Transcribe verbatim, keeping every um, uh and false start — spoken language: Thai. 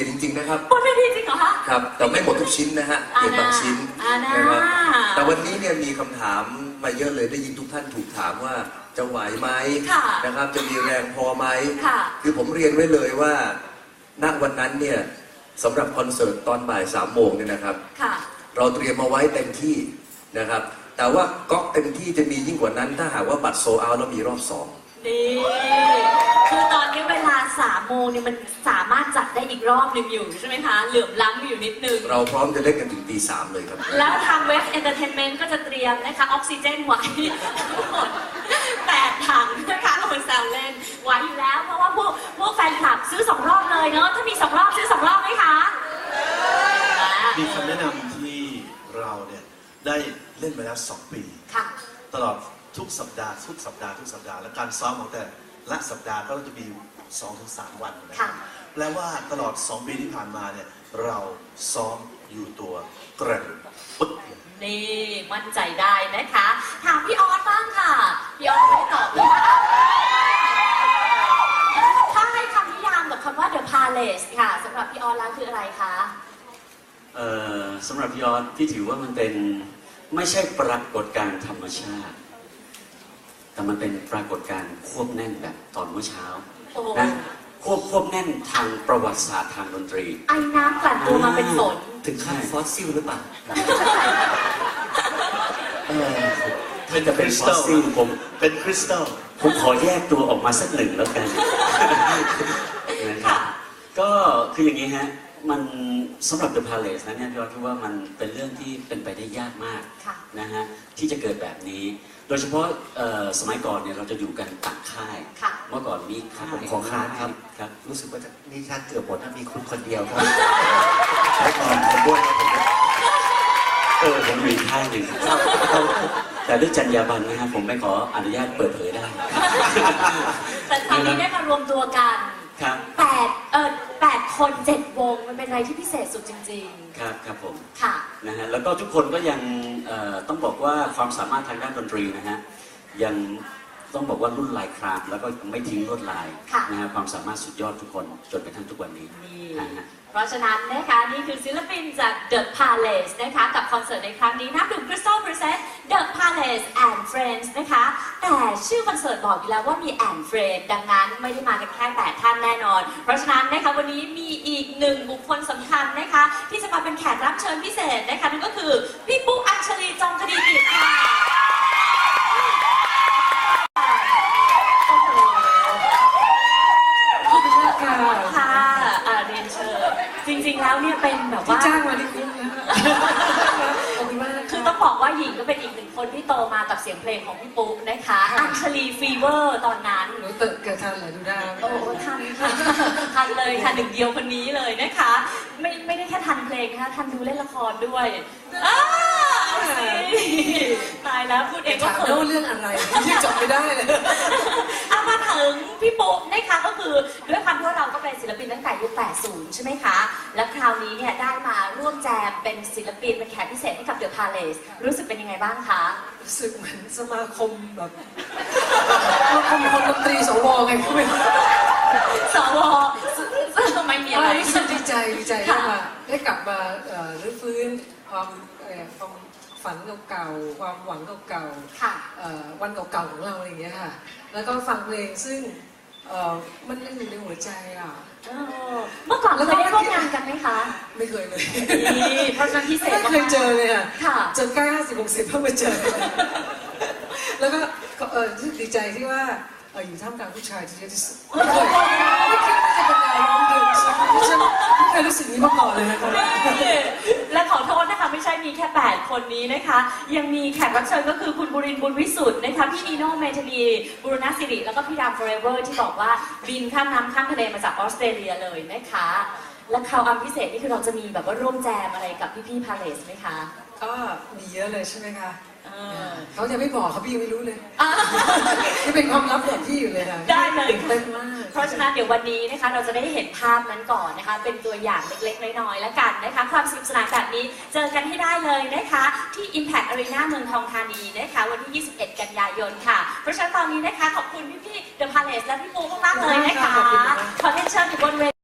ลี่ยนจริงๆนะครับบนเวทีจริงเหรอคะครับแต่ไม่หมดทุกชิ้นนะฮะเปลี่ยนบางชิ้นนะครับแต่วันนี้เนี่ยมีคำถามมาเยอะเลยได้ยินทุกท่านถูกถามว่าจะไหวไหมนะครับจะมีแรงพอไหมคือผมเรียนไว้เลยว่าณวันนั้นเนี่ยสำหรับคอนเสิร์ตตอนบ่ายสามโมงเนี่ยนะครับเราเตรียมมาไว้เต็มที่นะครับแต่ว่าก๊อกเต็มที่จะมียิ่งกว่านั้นถ้าหากว่าบัตรโซเอาแล้วมีรอบสองนี่คือตอนนี้เวลาสามโมงเนี่ยมันสามารถจัดได้อีกรอบหนึ่งอยู่ใช่ไหมคะเหลื่อมล้ำอยู่นิดนึงเราพร้อมจะเล่นกันถึงตีสามเลยครับแล้วทางเว็บเอนเตอร์เทนเมนต์ก็จะเตรียมนะคะออกซิเจนไว้แปดถังนะคะเอาไปแซวเล่นไว้อยู่แล้วเพราะว่าพวกพวกแฟนคลับซื้อสองรอบเลยเนาะถ้ามีสองรอบซื้อสองรอบไหมคะมีคำแนะนำที่เราเนี่ยได้เล่นมาแล้วสองปีตลอดทุกสัปดาห์ทุกสัปดาห์ทุกสัปดาห์และการซ้อมของแต่ละสัปดาห์ก็จะมี สองถึงสาม วันนะครับแปลว่าตลอดสองปีที่ผ่านมาเนี่ยเราซ้อมอยู่ตัวกระดุปึ๊กนี่มั่นใจได้นะคะถามพี่ออสบ้างค่ะพี่ออสไม่ตอบเลยถ้าให้คำนิยามกับคำว่า The Palace ค่ะสำหรับพี่ออสแล้วคืออะไรคะเอ่อสำหรับพี่ออสพี่ถือว่ามันเป็นไม่ใช่ปรากฏการณ์ธรรมชาติแต่มันเป็นปรากฏการณ์ควบแน่นแบบตอนเมื่อเช้านะควบควบแน่นทางประวัติศาสตร์ทางดนตรีไอ้น้ำกลั่นตัวมาเป็นฝนถึงขั้นฟอสซิลหรือเปล่าถ้าจะเป็นฟอสซิลผมเป็นคริสตัลผมขอแยกตัวออกมาสักหนึ่งแล้วกันนะครับก็คืออย่างนี้ฮะมันสำหรับ The Palace นะเนี่ยพี่ว่าคิดว่ามันเป็นเรื่องที่เป็นไปได้ยากมากนะฮะที่จะเกิดแบบนี้โดยเฉพาะสมัยก่อนเนี่ยเราจะอยู่กันต่างค่ายเมื่อก่อนมีค่ายของค่ายครับครับรู้สึกว่าจะนี่ชาติเกือบหมดถ้ามีคุณคนเดียวครับใช้ก่อนผมด้วยผมเออผมมีค่ายหนึ่งแต่ด้วยจรรยาบรรณนะฮะผมไม่ขออนุญาตเปิดเผยได้แต่คราวนี้ได้มารวมตัวกันแปดเออแปดคนเจ็ดวงมันเป็นอะไรที่พิเศษสุดจริงๆครับครับผมค่ะนะฮะแล้วก็ทุกคนก็ยังต้องบอกว่าความสามารถทางด้านดนตรีนะฮะยังต้องบอกว่ารุ่นลายครามแล้วก็ไม่ทิ้งลวดลายนะฮะความสามารถสุดยอดทุกคนจนกระทั่งทุกวันนี้นะฮะเพราะฉะนั้นนะคะนี่คือศิลปินจาก The Palace นะคะกับคอนเสิร์ตในครั้งนี้นับดื่ม Crystal Present The Palace and Friends นะคะแต่ชื่อคอนเสิร์ตบอกอยู่แล้วว่ามี and Friends ดังนั้นไม่ได้มากันแค่แปดท่านแน่นอนเพราะฉะนั้นนะคะวันนี้มีอีกหนึ่งบุคคลสำคัญนะคะที่จะมาเป็นแขกรับเชิญพิเศษนะคะนั่นก็คือพี่ปุ๊กอัญชลีจงคดีกิจค่ะจริงๆแล้วเนี่ยเป็นแบบว่าที่จ้างมาที่คุ้มนะขอบคุณมากคือต้องบอกว่าหญิงก็เป็นอีกหนึ่งคนที่โตมากับเสียงเพลงของพี่ปุ๊กนะคะอัญชลีฟีเวอร์ตอนนั้นหนูเติร์เกิดทันเหรอดูได้โอ้ทันค่ะทันเลยค่ะหนึ่งเดียวคนนี้เลยนะคะไม่ไม่ได้แค่ทันเพลงนะคะทันดูเล่นละครด้วยตายแล้วพูดเองก็เขินเรื่องอะไรที่จบไม่ได้เลยเอามาถึงพี่ปุ๊กนะคะก็คือด้วยความที่เราก็เป็นศิลปินตั้งแต่ยุคแปดสิบใช่ไหมคะและคราวนี้เนี่ยได้มาร่วมแจมเป็นศิลปินเป็นแขกพิเศษให้กับ The Palace รู้สึกเป็นยังไงบ้างคะรู้สึกเหมือนสมาคมแบบสมาคมคนดนตรีสวไงคุณสวทำไมมีอะไรรู้สึกดีใจดีใจที่มาได้กลับมารื้อฟื้นความความฝันเก่าๆความหวังเก่าๆวันเก่าๆของเราอะไรอย่างเงี้ยค่ะแล้วก็ฟังเพลงซึ่งมันยังอยู่ในหัวใจอ่ะเมื่อก่อนเราเคยได้ร่วมงานกันไหมคะไม่เคยเลยเพราะฉะนั้นพิเศษไม่เคยเจอเลยอ่ะจนใกล้ห้าสิบหกสิบเพิ่งมาเจอแล้วก็ดีใจที่ว่าอยู่ท่ามกลางผู้ชายที่เยอะที่สุดไม่เคยไม่คิดว่าจะเป็นดาวร้องเพลงฉันไม่เคยรู้สึกนี้มาก่อนเลยนะคะและขอโทษนะคะไม่ใช่มีแค่แปดคนนี้นะคะยังมีแขกรับเชิญก็คือคุณบุรินทร์บุญวิสุทธ์นะคะพี่นีโน่เมธานีบุรณศิริแล้วก็พี่ดามฟอร์เอเวอร์ที่บอกว่าบินข้ามน้ำข้ามทะเลมาจากออสเตรเลียเลยนะคะและคราวอันพิเศษนี่คือเราจะมีแบบว่าร่วมแจมอะไรกับพี่ๆพาเลสไหมคะก็มีเยอะเลยใช่ไหมคะเขาจะไม่บอกเขาพี่ยังไม่รู้เลยนี่เป็นความลับของพี่อยู่เลยนะได้เลยเต้นมากเพราะฉะนั้นเดี๋ยววันนี้นะคะเราจะได้เห็นภาพนั้นก่อนนะคะเป็นตัวอย่างเล็กๆน้อยๆแล้วกันนะคะความสนุกสนานแบบนี้เจอกันให้ได้เลยนะคะที่ Impact Arena เมืองทองธานีนะคะวันที่ยี่สิบเอ็ดกันยายนค่ะเพราะฉะนั้นตอนนี้นะคะขอบคุณพี่ๆ The Palace และพี่ปูมากๆเลยนะคะขอเรียนเชิญอยู่บนเว